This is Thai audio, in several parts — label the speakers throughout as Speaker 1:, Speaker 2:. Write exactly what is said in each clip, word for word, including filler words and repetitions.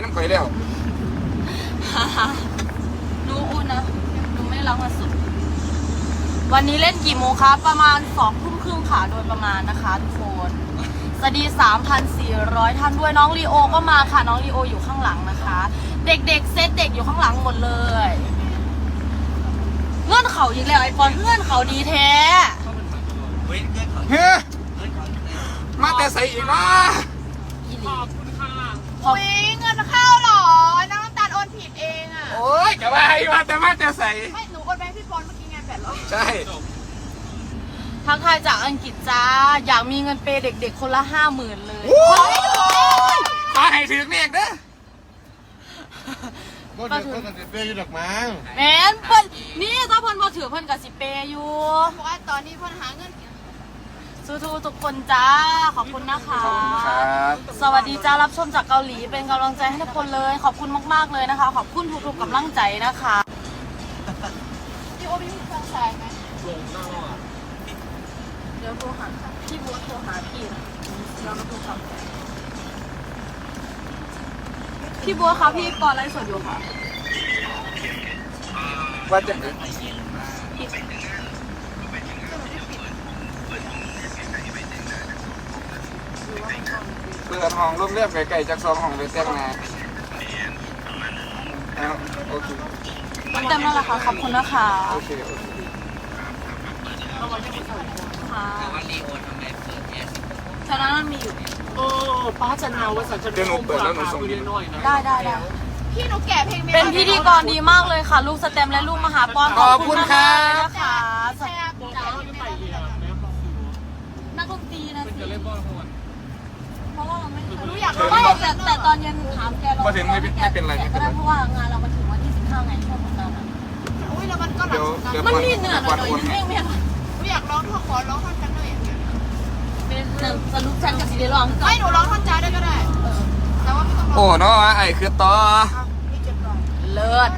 Speaker 1: น้ำข่อยแล้ว
Speaker 2: ฮ่าฮ่ารู้อุ่นนะหนูไม่ได้ล้างมาสุดวันนี้เล่นกี่โมงคะประมาณสองทุ่มครึ่งค่ะโดยประมาณนะคะทุกคนสวัสดี สามพันสี่ร้อย ท่านด้วยน้องลีโอก็มาค่ะน้องลีโออยู่ข้างหลังนะคะเด็กๆเซตเด็กอยู่ข้างหลังหมดเลยเงื่อนเขาอีกแล้วไอปอนเงื่อนเขาดีแท้
Speaker 1: เฮ้มาแต่ใส่อีกนะ
Speaker 2: ขอบคุณค่ะ
Speaker 3: อุ้ยเงินเข้าหรอน้ำตาลโอนผิดเองอ่ะ
Speaker 1: โอ้ยจะว่ามาแต่มาแต่ใส่
Speaker 3: ไม่หนูโอนไปให้พี่ปอนเมื่อกี้ไงแปดร้อย
Speaker 1: ใช่
Speaker 2: ทักทายจากอังกฤษจ้าอยากมีเงินเปย์เด็กๆคนละห้าหมื่นเลย
Speaker 1: ขอให้ถึงเด็กเด้อ
Speaker 4: ก็ถือเพิ่นกันเปย์อยู่ดอกมั้ง
Speaker 2: แมนเพิ่นนี่ถ้าเพิ่นมาถือเพิ่นกับสิเปย์อยู่
Speaker 3: เพราะว่าตอนนี้เพิ่นหาเงิน
Speaker 2: สู้ๆทุกคนจ้าขอบคุณนะคะ
Speaker 1: ครับ
Speaker 2: สวัสดีจ้ารับชมจากเกาหลีเป็นกำลังใจให้ทุกคนเลยขอบคุณมากๆเลยนะคะขอบคุณทุกๆกำลังใจนะคะ
Speaker 3: พี่โอมีเครื่องใช้ไหม
Speaker 2: เดี๋ยวโทรหาพี่บัวโทรหาพี่นะเรามาโทรศัพท์พี่บัวคะพี่ปอนไลฟ์สดอยู่ค่ะ
Speaker 1: ว่าจะเปิดห้องร่มเรียบไก่ๆจากซองห้องไปแต่งงานโอเค
Speaker 2: เต็มแล้วล่ะค่ะขอบคุณนะคะ
Speaker 1: โอเคโอเค
Speaker 2: ค่ะฉะนั้นมันมีอยู่
Speaker 5: เออป้าจะนาว่าสัญชาติของปลาคุยน้อยนะ
Speaker 2: ได้ได้ได้
Speaker 3: พี่หนูแก่เพลง
Speaker 2: เป็นพิธีกรดีมากเลยค่ะลูกสเต็มและลูกมหาปอน
Speaker 1: ขอบคุณค่ะ
Speaker 2: นะคะนักดนตรีนะสิเพราะว่าเราไม่รู้อยากไม่แต่แต่ตอนเย็นถามแกเรา
Speaker 1: มาถึงไม่ไม่เป็นไร
Speaker 2: ก็ได้เพราะว่างานเรามาถึงวันที่สิบห้าไงช่วงของเรา
Speaker 3: อุ้ยแล้วมันก็หลัง
Speaker 2: มันมีเหนื่อยหน่อยไม่ไม่
Speaker 3: หนูอยากร้องท่อนขอร้องท่อนกันหน่อย
Speaker 2: เป็นหนึ่งสรุปฉันกับซีเรียร้อง
Speaker 3: ไม่หนูร้องท่อนจ้าได้ก็ได้แต่ว่าไม่ต้องร้อง
Speaker 1: โอ้เนาะไอ้คือต่อ
Speaker 2: เลิศ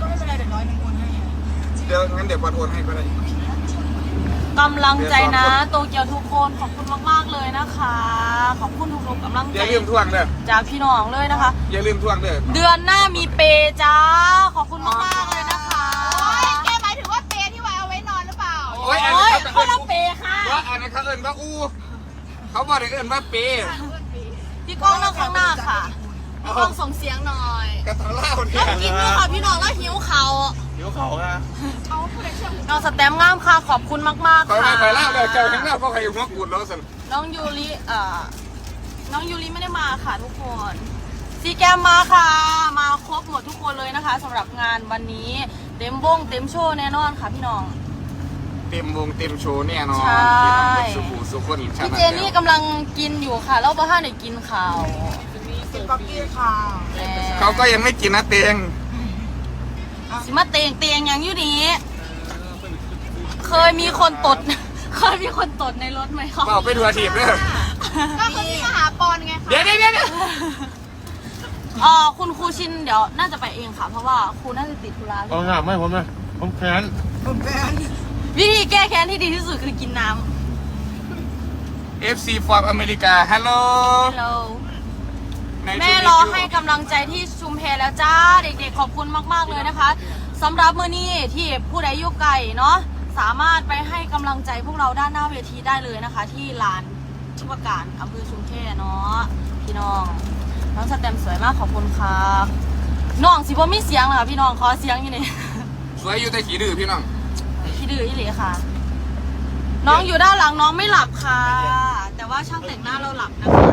Speaker 1: เดี๋ยวงั้นเดี๋ยววันโอนให้ก็ได้
Speaker 2: กำลังใจนะโตเกียวทุกคนขอบคุณมากๆเลยนะคะขอบคุณทุกๆกำลังใจ
Speaker 1: อย่าลืมทวงเด้อ
Speaker 2: จากพี่น้องเลยนะคะ
Speaker 1: อย่าลืมทวงเด้อ
Speaker 2: เดือนหน้ามีเปจ้าขอบคุณมากๆเลยนะคะ
Speaker 3: โอ้ยแกหมายถึงว่าเปที่ไว้เอาไว้นอนหรือเปล่า
Speaker 1: โอ้ย
Speaker 2: เขาละเปค่ะ
Speaker 1: ว่าอันนั้นเขาเอิ้นว่าอู้เขาบอกเอิ้นว่าเป
Speaker 2: พี่ก้องนั่งข้างหน้าค่ะพี่ก้องส่งเสียงหน่อย
Speaker 1: กระเล่าเนี่
Speaker 2: ยกินด้วยค่ะพี่น้องแล้วหิวเขา
Speaker 4: หิวเขาอะ
Speaker 3: เอาผู้ใดเชื่อ
Speaker 2: น้องสแตมงามค่ะขอบคุณมากๆค่ะ
Speaker 1: คอยไปเล่าเลยเจ้าทั้งเล่าเพราะใครหัวกุดแล้วสิ
Speaker 2: น้องยูริเอ่อน้องยูริไม่ได้มาค่ะทุกคนซีแกมมาค่ะมาครบหมดทุกคนเลยนะคะสำหรับงานวันนี้เต็มวงเต็มโชว์แน่นอนค่ะพี่น้อง
Speaker 1: เต็มวงเต็มโชว์แน่นอน
Speaker 2: ใช่
Speaker 1: สุขุสุขคน
Speaker 2: พี่เจนี่กำลังกินอยู่ค่ะแล้วบ้านไหนกินข่าว
Speaker 3: กินป๊อกกี้ค่ะ
Speaker 1: เขาก็ยังไม่กินนะเตียง
Speaker 2: สิมาเตียงเตียงอย่างอยู่นี้เคยมีคนตดเคยมีคนตดในรถไหมคะ
Speaker 1: เอาไปดูอาชีพเลย
Speaker 3: ก็คือที่มหาปอนไงคะ
Speaker 1: เดี๋ยวเดี๋ยวเดี๋ยว
Speaker 2: อ๋อคุณครูชินเดี๋ยวน่าจะไปเองค่ะเพราะว่าครูน่าจะติดธุระ
Speaker 4: เอางามไม่ผมเลยผมแค้น
Speaker 3: ผมแค้น
Speaker 2: วิธีแก้แค้นที่ดีที่สุดคือกินน้
Speaker 1: ำ เอฟ ซี from อเมริกาฮัลโหล
Speaker 2: ฮัลโหลแม่รอให้กำลังใจที่ชุมแพแล้วจ้าเด็กๆขอบคุณมากๆเลยนะคะสำหรับมื้อนี้ที่ผู้ใดอยู่ไกลเนาะสามารถไปให้กำลังใจพวกเราด้านหน้าเวทีได้เลยนะคะที่ลานชุมการอำเภอชุมแพเนาะพี่น้องน้องสแตมสวยมากขอบคุณค่ะน้องสิบ่มีเสียงเหรอพี่น้องขอเสียงอยู่นี่
Speaker 1: สวยอยู่แต่ขี้ดื้อพี่น้อง
Speaker 2: ขี้ดื้ออีหลีค่ะน้องอยู่ด้านหลังน้องไม่หลับค่ะแต่ว่าช่างแต่งหน้าเราหลับนะคะ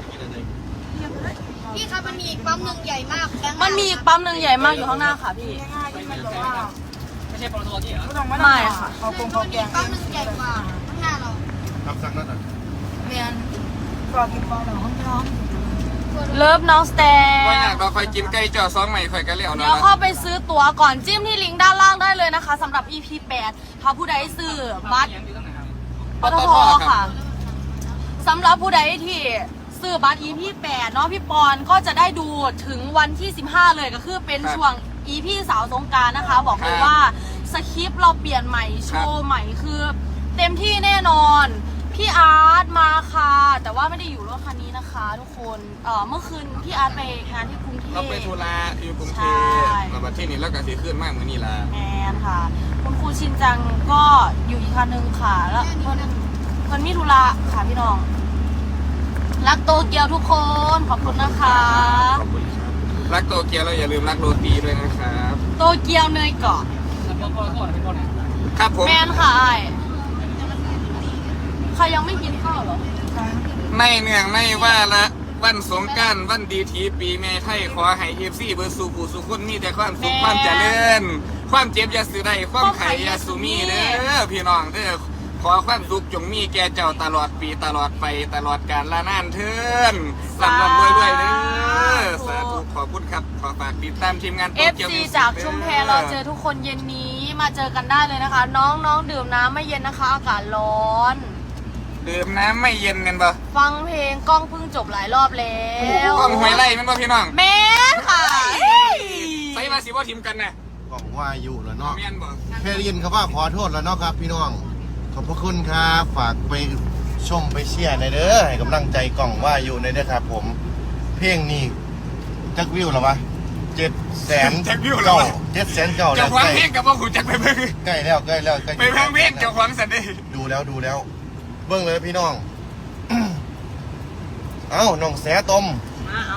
Speaker 3: พี่คะมันมีอีกปั๊มหนึ่งใหญ่มาก
Speaker 2: มันมีอีกปั๊มหนึ่งใหญ่มากอยู่ข้างหน้าค่ะพี่
Speaker 5: ไม่ใช่ปตทที่เหรอ
Speaker 2: ไม่ค่ะ
Speaker 3: เขาคงเขาแกงปั๊มหนึ่งใหญ่กว่าข้างหน้าเรา
Speaker 4: ทำสั่งนั่นอ่ะ
Speaker 3: เรียนกรอกินปลาหรอห้องน้อง
Speaker 2: เลิฟน้องสแตน
Speaker 1: ว่าอยากเราคอยกินไก่จ่อซองใหม่คอยกันเลี้ยว
Speaker 2: เดี๋ยวเข้าไปซื้อตั๋วก่อนจิ้มที่ลิงก์ด้านล่างได้เลยนะคะสำหรับ อี พี แปดถ้าผู้ใดซื้อบัตรปตทค่ะสำหรับผู้ใดที่ซื้อบัตร อี พี แปดเนาะพี่ปอนก็จะได้ดูถึงวันที่สิบห้าเลยก็คือเป็นช่วง อี พี สาวสงกรานต์นะคะบอกเลยว่าสคริปต์เราเปลี่ยนใหม่โชว์ใหม่คือเต็มที่แน่นอนพี่อาร์ตมาค่ะแต่ว่าไม่ได้อยู่รถคันนี้นะคะทุกคนเอ่อเมื่อคืนพี่อาร์ตไปงานที่กรุงเท
Speaker 1: เราไปธุระอยู่กรุงเทพ
Speaker 2: ใช่
Speaker 1: แล้วบัดที่นี่แล้วก็สิขึ้นมากมือนี่ละ
Speaker 2: แมนค่ะ คุณครูชินจังก็อยู่อีกคันหนึ่งค่ะ แล้วเพิ่นเพิ่นมีธุระค่ะพี่น้อง รักโตเกียวทุกคน ขอบคุณนะคะ
Speaker 1: ขอบคุณครับรักโตเกียวแล้วอย่าลืมรักโรตีด้วยนะครับ
Speaker 2: โตเกียวเนยเกาะ
Speaker 1: ครับผม
Speaker 2: แมนค่ะไอ้ใครยังไม่กินข้าวเหรอ
Speaker 1: ไม่เนื่องไม่ว่าละวันสงกรานต์วันดีทีปีแม่ไทยขอให้เอฟซีเบอร์สูผู้สุคนมีแต่ความสุขความเจริญความเจ็บอย่าสือได้ความไข่อย่าสูมีเด้อพี่น้องเด้อขอความสุขจงมีแก่เจ้าตลอดปีตลอดไปตลอดกาลละนานเทินสำหรับรวยด้วยเด้อสาธุขอบคุณครับขอฝากติดตามทีมงาน
Speaker 2: เอฟซีจากชุมแพเราเจอทุกคนเย็นนี้มาเจอกันได้เลยนะคะ น้องน้องดื่มน้ำไม่เย็นนะคะ อากาศร้อน
Speaker 1: ดื่มน้ำไม่เย็นกันบ่
Speaker 2: ฟังเพลงกล้องเพิ่งจบหลายรอบแล้ว
Speaker 1: กล้องหวยไล่แมันบ่พี่น้อง
Speaker 2: แม่ค่ะ
Speaker 1: ใส่มาสิบ่ทิมกันนะ
Speaker 4: กล่องว่าอยู่แล้วเนาะ
Speaker 1: เมียนบ่
Speaker 4: แค่ได้ยินคำว่าขอโทษแล้วเนาะครับพี่น้องขอบพระคุณครับฝากไปชมไปเชียร์ในอยเด้อให้กำลังใจกล่องว่าอยู่ในอยเด้อครับผม เพลงนี้จักวิวแล้ววะเจ็ดแสนเก้าเจ็ดแสนเก้าแล้
Speaker 1: เจ้าว ของ
Speaker 4: ใกล้
Speaker 1: เพลงกับบ่หูจักไปเบิ่ง
Speaker 4: ใกล้แล้วใกล้แล้วใกล้
Speaker 1: ไปเบิ่งเพลงเจ้าของสันเด้
Speaker 4: ดูแล้วดูแล้ว เบิ่งเลยพี่น้อง เอ้าน้องแสตม
Speaker 2: มาเอา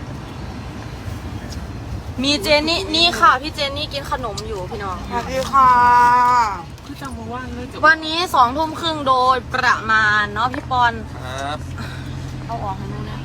Speaker 2: มีเจนนี่นี่ค่ะ พี่เจนนี่กินขนมอยู่พี่น้อง
Speaker 3: สวัสดีค่ะ
Speaker 5: คือจังมาว่างเลยจบ
Speaker 2: วันนี้สองทุ่มครึ่งโดยประมาณเนาะพี่ปอน
Speaker 1: ครับ
Speaker 2: เอาออกให้หนูนะ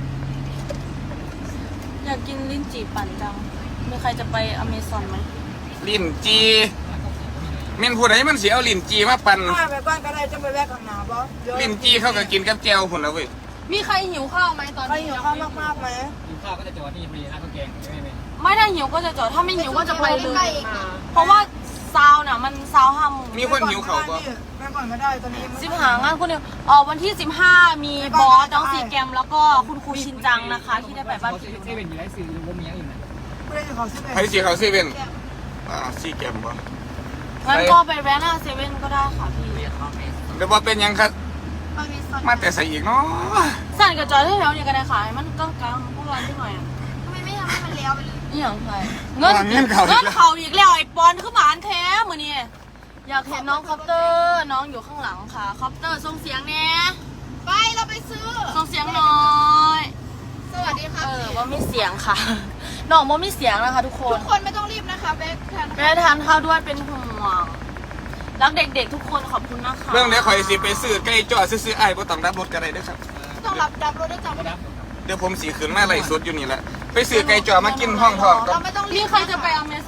Speaker 2: อยากกินลิ้นจี่ปั่นจัง มีใครจะไปอเมซอนไหม
Speaker 1: ลิ้นจีแม่นผู้ใดมันสิเอาลิ้นจีมาปั่น
Speaker 3: มาไปบ้านก็ได้จะไปแวะกับหนาบอส
Speaker 1: ลิ้นจีเขาก็กินกับแจ่วพุ่นแล้วเว้ย
Speaker 2: มีใครหิวข้าวไหมตอน
Speaker 3: ใคร
Speaker 2: นี้
Speaker 3: หิวข้าวมากๆไหม
Speaker 5: กินข้าวก็จะจอดนี่มีร้านข้าวแกงใช่ไหม
Speaker 2: ไม่ได้หิวก็จะจอดถ้าไม่หิวก็จะไปเลย เพราะว่าซาวน่ะมันซาวห้าโมง
Speaker 1: มีคนหิวเขาบ่
Speaker 3: แม่ก่อนก็ได้ตอนนี้
Speaker 2: สิบหางานคุณเดียวอ๋อวันที่สิบห้ามีบอสน้องซีแกรมแล้วก็คุณครูชินจังนะคะ ที่ได้ไปบ้านพี่
Speaker 5: เซเว่นอยู่ไรสื่อว่ามีอย่างอื่นไหม
Speaker 3: ไม่ได้ขอซื้อ
Speaker 1: ไผสิเขาเซเว่นอ่าซีแกมบ่
Speaker 2: งั้นก็ไปแวะหน้าเซเว่นก็ได้ค่ะพี่
Speaker 1: เดี๋ยวบ่เป็นหยังครับมาแต่ใส่อีกเนาะ
Speaker 2: สั่นกับจอยที่แถวนี้ก็ได้ขายมันกลางๆพวกเราที่หน่อยอ่ะ
Speaker 3: ทำไมไม่ทำให้มันเลี้ยวไปเลย
Speaker 2: นี่อย่างไรเงินเงินเขาอีกแล้วไอ้ปอนคือหมานแท้มือนี่อยากเห็นน้องคอปเตอร์น้องอยู่ข้างหลังค่ะคอปเตอร์ส่งเสียงแน่
Speaker 3: ไปเราไปซื้อ
Speaker 2: ส่งเสียงหน่อย
Speaker 3: สวัสดีค่ะ
Speaker 2: เออว่ามีเสียงค่ะน้องว่ามีเสียงนะคะทุกคน
Speaker 3: ทุกคนไม่ต้องรีบนะคะแวะทาน
Speaker 2: แม่ทานข้าวด้วยเป็นห่วงรักเด็กๆทุกคนขอบคุณนะคะ
Speaker 1: เรื่องเดี๋ยวข่อยสิไปซื้อไก่จ่อซื้อๆอ้ายบ่ต้องรับรถก็ได้เด้อครับ
Speaker 3: ต้องรับรับรถด้วยจ้ะ
Speaker 5: ก็รับ
Speaker 1: เดี๋ยวผมสิขึ้นมาไล่สดอยู่นี่แหละไปซื้อไก่จ่อมากินห้องทองก่อ
Speaker 3: เรา
Speaker 1: น
Speaker 3: ไม่ต้องรี
Speaker 2: มี
Speaker 3: บ
Speaker 2: ใครจะไปอเม